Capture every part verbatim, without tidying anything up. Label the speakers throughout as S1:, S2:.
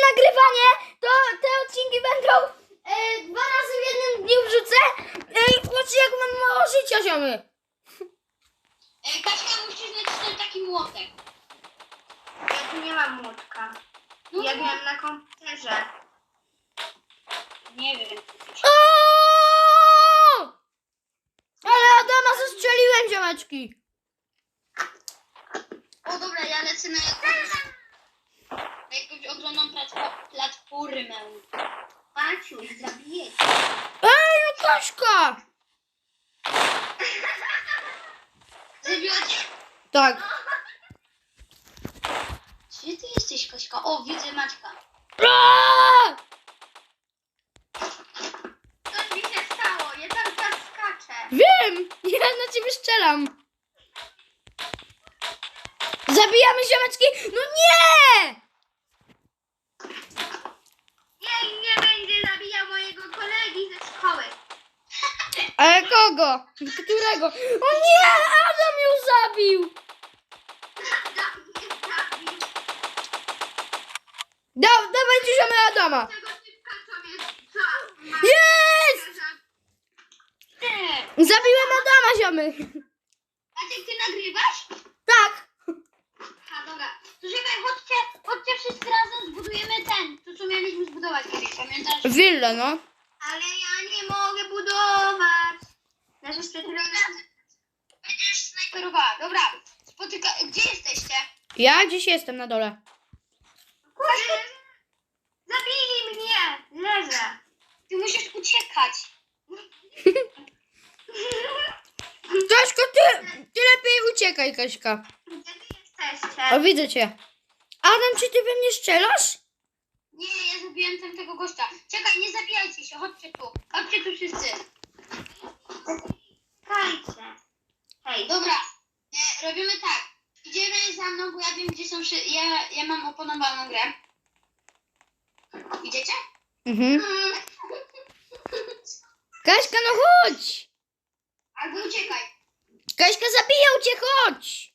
S1: nagrywanie, to te odcinki będą e, dwa razy w jednym dniu wrzucę. Ej, patrzcie jak mam mało życia, ziomy.
S2: Ej, Kaśka, musisz nacisnąć taki młotek.
S3: Ja tu nie mam młotka.
S2: No
S3: Ja
S2: to-
S3: miałem na komputerze.
S2: Nie wiem.
S1: O! Ale Adama zastrzeliłem, ziomeczki.
S2: O dobra, ja lecę na jakąś, na jakąś ogromną platfo- platformę.
S3: Maciuś, zabiję cię.
S1: Ej, no Kaśka.
S2: Zabiła cię.
S1: Tak.
S2: Gdzie ty jesteś, Kaśka? O, widzę Maćka.
S1: Aaaa!
S3: Co mi się stało? Ja tam teraz skaczę.
S1: Wiem, ja na ciebie strzelam. Zabijamy, ziomeczki. No nie!
S3: Jej, nie będzie zabijał mojego kolegi ze szkoły.
S1: Ale kogo? Którego? O nie! Adam ją zabił!
S3: Adam mnie zabił.
S1: Da, dawajcie ziomy Adama!
S3: Tego typka, co mnie... Co?
S1: Jest!
S2: Nie.
S1: Zabiłem Adama, ziomy!
S2: Maciek, ty nagrywasz?
S1: Tak!
S2: A dobra. To czekaj, chodźcie, chodźcie wszyscy razem zbudujemy ten, to co mieliśmy zbudować kiedyś, pamiętasz?
S1: Willę, no.
S3: Ale ja nie mogę budować. Nasze specjalne...
S2: Będziesz snajperowała. Dobra, spotyka... Gdzie jesteście?
S1: Ja dziś jestem na dole.
S3: Kurde! Zabili mnie! Leżę.
S2: Ty musisz uciekać.
S1: Kaśka, ty, ty lepiej uciekaj, Kaśka.
S3: Gdzie wy jesteście?
S1: O, widzę cię. Adam, czy ty we mnie strzelasz?
S2: Nie, ja zabiłem tamtego gościa. Czekaj, nie zabijajcie się, chodźcie tu. Chodźcie tu wszyscy.
S3: Czekajcie. Hej,
S2: Dobra, e, robimy tak. Idziemy za mną, bo ja wiem gdzie są... Szy- ja, ja mam oponowaną grę. Idziecie?
S1: Mhm. Kaśka, no chodź!
S2: Albo uciekaj.
S1: Kaśka, zabijał cię, chodź!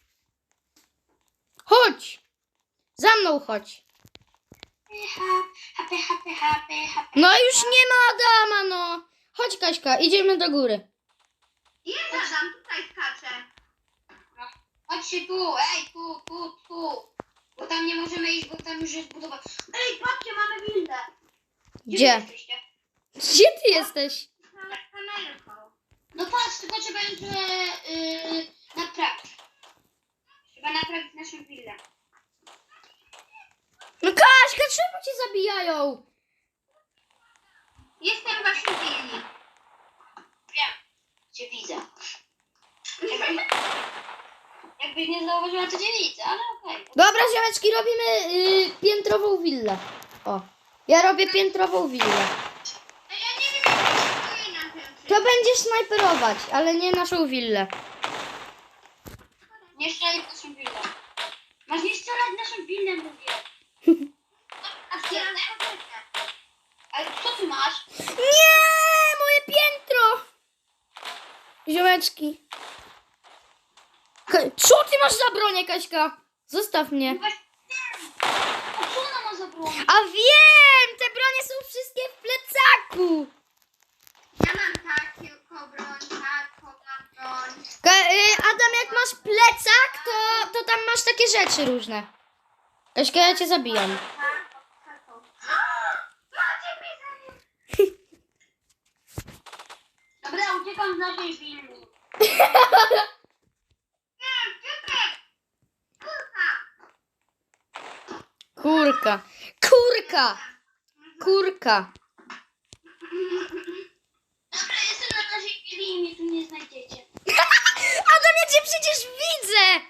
S1: Chodź! Za mną chodź.
S2: Happy, happy, happy, happy.
S1: No już nie ma Adama, no. Chodź, Kaśka, idziemy do góry.
S3: jest Adam, tutaj skaczę.
S2: Chodźcie tu, ej, tu, tu, tu. Bo tam nie możemy iść, bo tam już jest budowa.
S3: Ej, patrzcie, mamy windę.
S1: Gdzie?
S2: wy jesteście?
S1: Gdzie ty jesteś?
S3: Mamy kamerką.
S2: No patrz, tylko trzeba ją trochę yy, naprawić. Trzeba naprawić naszą willę.
S1: No Kaśka, czemu cię zabijają?
S3: Jestem w waszym willi.
S2: Wiem, cię widzę. Jakby, jakbyś nie zauważyła, to cię widzę, ale okej.
S1: Dobra, ziomeczki, robimy y, piętrową willę. O, ja robię piętrową willę.
S3: Ej, ja nie wiem, jak to stoi na tym.
S1: To będziesz snajperować, ale nie naszą willę.
S2: Nie strzelaj w naszą willę. Masz nie strzelać w naszą willę, mówię.
S3: A teraz
S2: Ale co ty masz?
S1: Nie, moje piętro! Ziomeczki. Ka- Co ty masz za bronię, Kaśka? Zostaw mnie.
S2: Właśnie wiem. A co ona ma za broń?
S1: A wiem, te bronie są wszystkie w plecaku.
S3: ja mam taką broń, taką mam broń.
S1: Ka- y, Adam, jak masz plecak, to, to tam masz takie rzeczy różne. Kaśka, ja cię zabijam.
S3: Taką, taką. Macie mnie zabił.
S2: Dobra, uciekam z naszej willi.
S3: Nie, czekaj. Kurka.
S1: Kurka. Kurka. Kurka.
S2: Dobra, jestem na naszej willi i mnie tu nie znajdziecie.
S1: Adam, ja cię przecież widzę.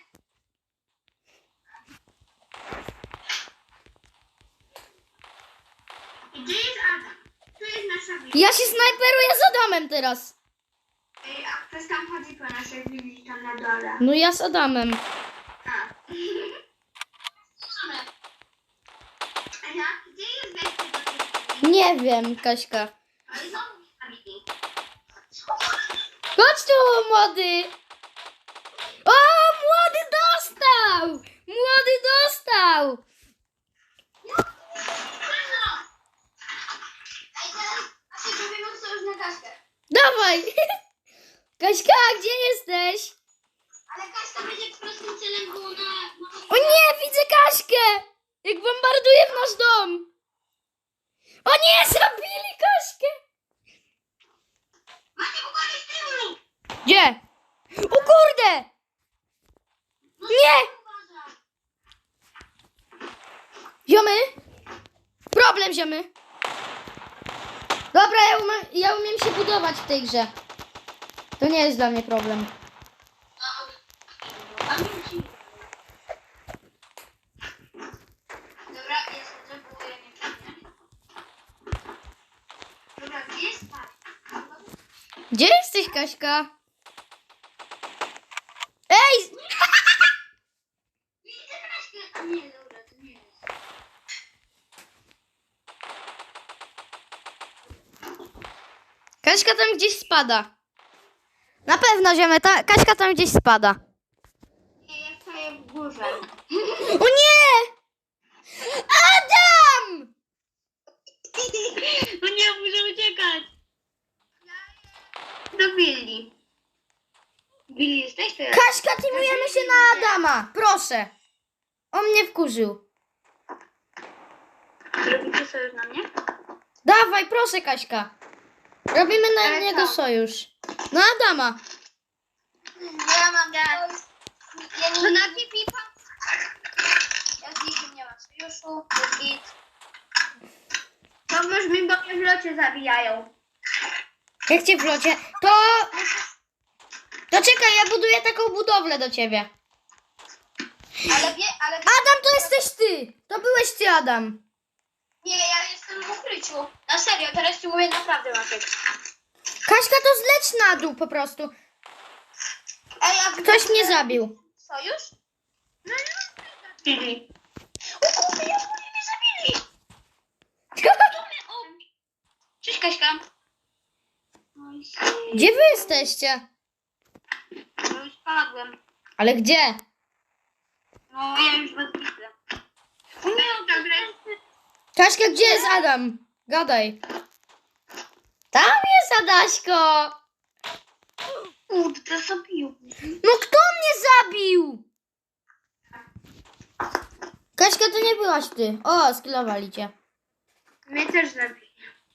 S3: Gdzie jest Adam? Tu jest nasza willa.
S1: Ja się snajperuję z Adamem teraz.
S3: Ej, a ktoś tam chodzi po naszej willi, tam na dole.
S1: No ja z Adamem.
S3: A.
S2: Dobra.
S3: Ania, gdzie jest wejście do tej willi?
S1: Nie wiem, Kaśka.
S3: Ale znowu nie zabili.
S1: Chodź tu, młody. O, młody dostał. Młody dostał. dawaj! Kaśka, gdzie jesteś?
S3: Ale Kaśka będzie prostym celem, bo ona...
S1: O nie, widzę Kaśkę! Jak bombarduje w nasz dom! O nie, zabili Kaśkę!
S3: Macie uwagę z tyłu!
S1: Gdzie? O kurde! Nie!
S3: Uważaj!
S1: Ziomy? Problem, ziomy. Dobra, ja umiem, ja umiem się budować w tej grze. To nie jest dla mnie problem.
S3: Dobra, jest, zabuduję nie. Dobra, gdzie jest Kaśka?
S1: Gdzie jesteś, Kaśka? Ej!
S3: Widzę Kaśkę! A nie, dobra, to nie jest.
S1: Kaśka tam gdzieś spada. Na pewno, ziomy, ta Kaśka tam gdzieś spada.
S3: Nie, ja stoję w górze.
S1: O nie! Adam!
S2: No nie, muszę uciekać.
S3: Do Billy.
S2: Billy, jesteś teraz?
S1: Kaśka, teamujemy się na Adama. Proszę. On mnie wkurzył.
S2: Robicie sojusz na mnie?
S1: Dawaj, proszę, Kaśka. Robimy na
S3: Ale
S1: niego
S3: co?
S1: sojusz. Na Adama.
S3: Ja mam ja, ja nie... To na pipa? Ja z nikim nie mam sojuszu, git. To już mi bo mnie w locie zabijają.
S1: Jak cię w locie? To... To czekaj, ja buduję taką budowlę do ciebie.
S3: Ale wie, ale wie,
S1: Adam, to jesteś ty. To byłeś ty, Adam.
S3: nie, ja jestem w ukryciu. Na serio, teraz ci mówię naprawdę, Maciek.
S1: Kaśka, to zleć na dół po prostu.
S3: Ej, a
S1: Ktoś mnie zabił.
S3: sojusz? No nie,
S2: Billy.
S3: o kurde, ja oni mnie zabili.
S2: Cześć, Kaśka.
S1: Gdzie wy jesteście?
S2: No już spadłem.
S1: Ale gdzie?
S2: No ja już was widzę. O nie, dobra.
S1: Kaśka, gdzie jest Adam? Gadaj. Tam jest Adaśko.
S2: Kurde, zabił.
S1: No kto mnie zabił? Kaśka, to nie byłaś ty. O, skillowali cię.
S3: Mnie też zabili.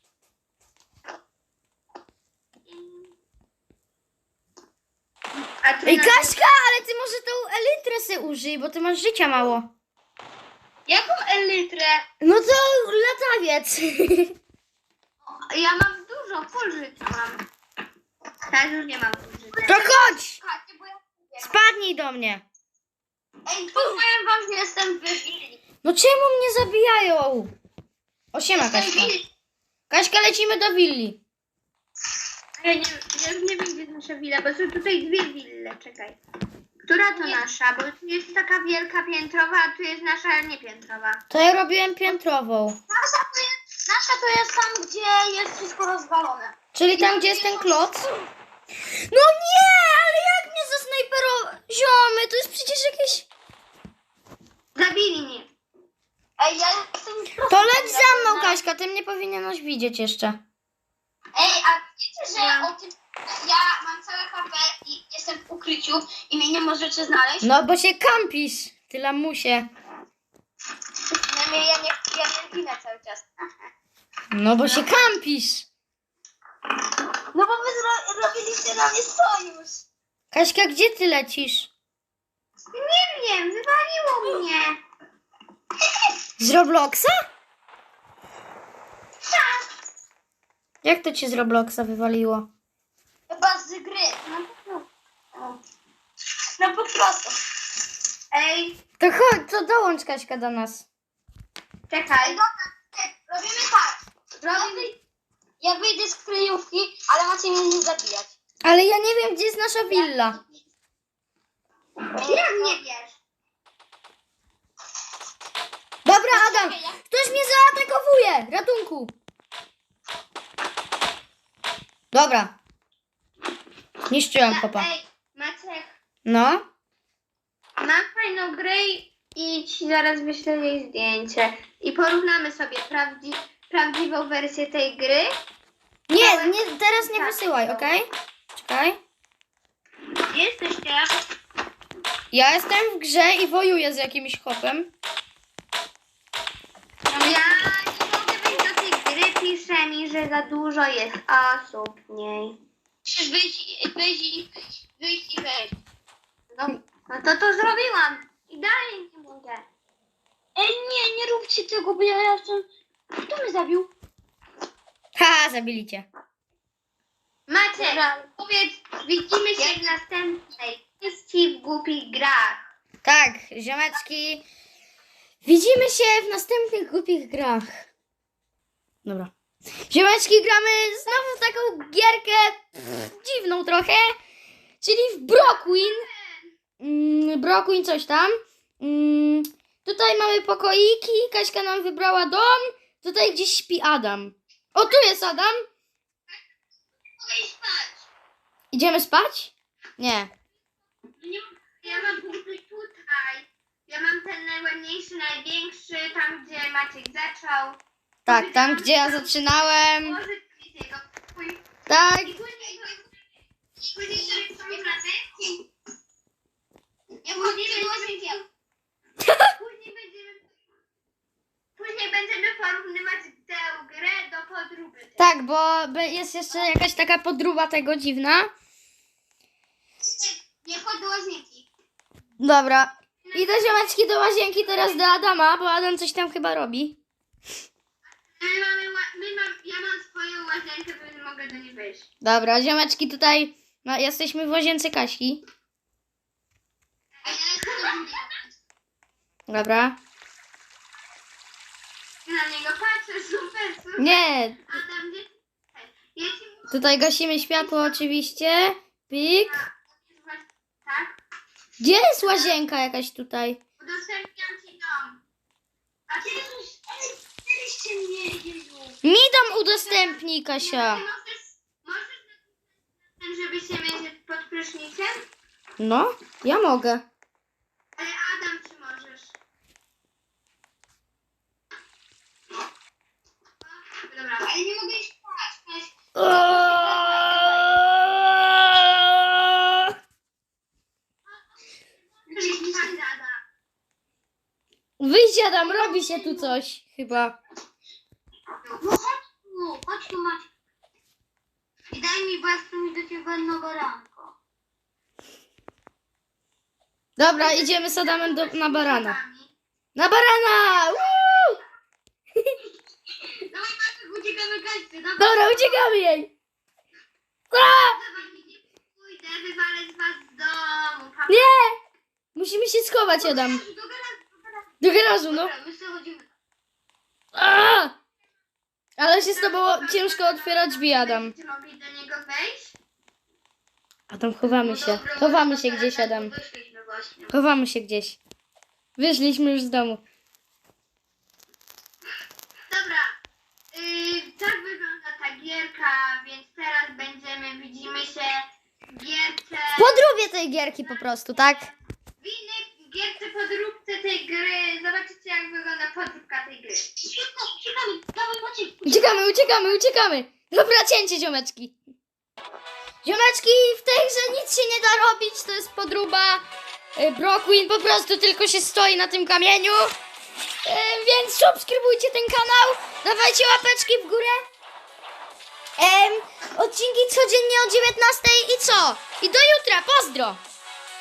S3: A ty
S1: Ej,
S3: na-
S1: Kaśka, ale ty może tą elytrę se użyj, bo ty masz życia mało.
S3: Jaką elytrę?
S1: No to latawiec.
S3: Ja mam dużo, full życia mam. Teraz już nie mam full życia.
S1: To chodź.
S3: Słuchajcie, bo ja wiem.
S1: Spadnij do mnie.
S3: Ej, powiem wam, że jestem w willi.
S1: No czemu mnie zabijają? O, siema,
S3: Jestem
S1: Kaśka.
S3: willi.
S1: Kaśka, lecimy do willi.
S3: Ja, nie, ja już nie wiem, gdzie jest nasza willa, bo są tutaj dwie wille, czekaj. Która to nasza? Bo tu jest taka wielka piętrowa, a tu jest nasza niepiętrowa.
S1: To ja robiłem piętrową.
S3: Nasza to jest, nasza to jest tam, gdzie jest wszystko rozwalone.
S1: Czyli tam, gdzie jest ten kloc? No nie, ale jak mnie zasnajperował? Ziomy, to jest przecież jakieś...
S3: Zabili mnie. Ej, ja jestem
S1: To leć za mną, Kaśka, ty mnie powinieneś widzieć jeszcze.
S3: Ej, a wiecie, że o tym... Ja mam całe H P i jestem w ukryciu i mnie nie możecie znaleźć?
S1: No, bo się kampisz, ty lamusie.
S3: Ja nie, ja nie, ja nie ginę cały czas.
S1: No, bo się kampisz.
S3: No bo wy zro- robiliście na mnie sojusz.
S1: Kaśka, gdzie ty lecisz?
S3: Nie wiem, wywaliło mnie.
S1: Z Robloxa?
S3: Tak,
S1: Jak to cię z Robloxa wywaliło?
S3: chyba z gry. No po prostu. No po prostu. Ej,
S1: To chodź, to dołącz, Kaśka, do nas.
S3: czekaj. Dobra, robimy tak. Robimy... Ja wyjdę z kryjówki, ale macie mnie nie zabijać.
S1: Ale ja nie wiem, gdzie jest nasza willa.
S3: Jak nie wiesz?
S1: Dobra, Adam, ktoś mnie zaatakowuje. Ratunku. Dobra. Niszczyłem kopa.
S3: Ej, Maciek,
S1: No.
S3: mam fajną grę i ci zaraz wyślę jej zdjęcie. I porównamy sobie prawdzi- prawdziwą wersję tej gry
S1: Nie, nie, teraz nie wysyłaj, okej? Czekaj.
S3: Gdzie jesteście?
S1: Ja jestem w grze i wojuję z jakimś chłopem.
S3: Ja nie mogę wejść do tej gry, pisze mi, że za dużo jest osób w niej.
S2: Musisz wyjść, wyjść i wyjść i wejść.
S3: No, no to to zrobiłam. I dalej nie mogę.
S2: Ej, nie, nie róbcie tego, bo ja jestem... Kto mnie zabił?
S1: Ha, zabili cię.
S3: Macie,
S2: Dobra.
S3: powiedz, widzimy się w następnej części w głupich grach.
S1: Tak, ziomeczki. Widzimy się w następnych głupich grach. Dobra. Ziomeczki, gramy znowu w taką gierkę pff, dziwną trochę. Czyli w Brockwin. Mm, Brockwin coś tam. Mm, tutaj mamy pokoiki. Kaśka nam wybrała dom. Tutaj gdzieś śpi Adam. O, tu jest Adam.
S2: Mogę iść spać.
S1: Idziemy spać? Nie.
S3: Nie, ja mam punkty tutaj. Ja mam ten najładniejszy, największy, tam gdzie Maciek zaczął.
S1: Tak, tam gdzie ja zaczynałem.
S3: Może jego twój.
S1: Tak.
S3: I później, później sobie sobie na deskę.
S2: Ja wchodzimy do łazienki.
S3: Później będziemy, później będziemy porównywać tę grę do podróby.
S1: Tak, bo be- jest jeszcze jakaś taka podróba tego dziwna.
S2: Nie wchodź do łazienki.
S1: Dobra. Idę ziomeczki do łazienki teraz do Adama, bo Adam coś tam chyba robi.
S3: My mamy, ła- my mam, ja mam swoją łazienkę, więc mogę do niej wejść.
S1: Dobra, ziomeczki tutaj no, jesteśmy w łazience Kaśki.
S2: A ja jestem do drugiej.
S1: Dobra.
S3: Na niego patrzę, super, super.
S1: Nie,
S3: Adam, gdzie ja ci muszę...
S1: tutaj gasimy światło oczywiście. Pik.
S3: Tak?
S1: Gdzie jest łazienka jakaś tutaj?
S3: Udostępniam ci dom. A ty
S2: Jezus, ale byliście mnie, Jezu.
S1: Mi dom udostępnij, Kasia.
S3: Możesz, możesz napisać ten, żeby się mierzyć pod prysznicem?
S1: No, ja mogę.
S3: Ale Adam, czy możesz? O, dobra.
S2: Ale nie mogę iść spać.
S3: Chodź, Adam.
S1: Wyjdź Adam, robi się tu coś chyba.
S2: No chodź tu, chodź tu Maciek. I daj mi, bo ja chcę mieć do ciebie jedno baranko.
S1: Dobra, idziemy z Adamem do, na barana. Na barana! Woo!
S3: Dawaj, Maciek, uciekamy Kaśce. Dawaj.
S1: Dobra, uciekamy jej. A!
S3: Dawaj, nie pójdę, wywalę z was z domu. Pa, pa.
S1: Nie! Musimy się schować, Adam.
S3: Do garażu, do garażu.
S1: Do garażu, no.
S2: Dobra, my sobie chodzimy.
S1: A! Ale się z tobą ciężko otwiera drzwi, Adam.
S3: Czy mogli do niego wejść?
S1: Adam, chowamy się.
S2: Dobra,
S1: Chowamy
S2: może
S1: się
S2: do
S1: gdzieś,
S2: garażu
S1: Adam.
S2: Wyszliśmy właśnie.
S1: Chowamy się gdzieś. Wyszliśmy już z domu.
S3: Dobra, yy, tak wygląda ta gierka, więc teraz będziemy, widzimy się w gierce,
S1: W podróbie tej gierki po prostu, tak?
S3: w innej gierce podróbce tej gry. Zobaczycie, jak wygląda podróbka tej gry.
S2: Szybko, uciekamy. Dawaj Maciek.
S1: Uciekamy, uciekamy, uciekamy. Dobra, cięcie, ziomeczki. Ziomeczki, w tej grze nic się nie da robić, to jest podróba. Y, Brockwin po prostu tylko się stoi na tym kamieniu. Y, Więc subskrybujcie ten kanał, dawajcie łapeczki w górę. Em, odcinki codziennie o dziewiętnastej i co? I do jutra, pozdro!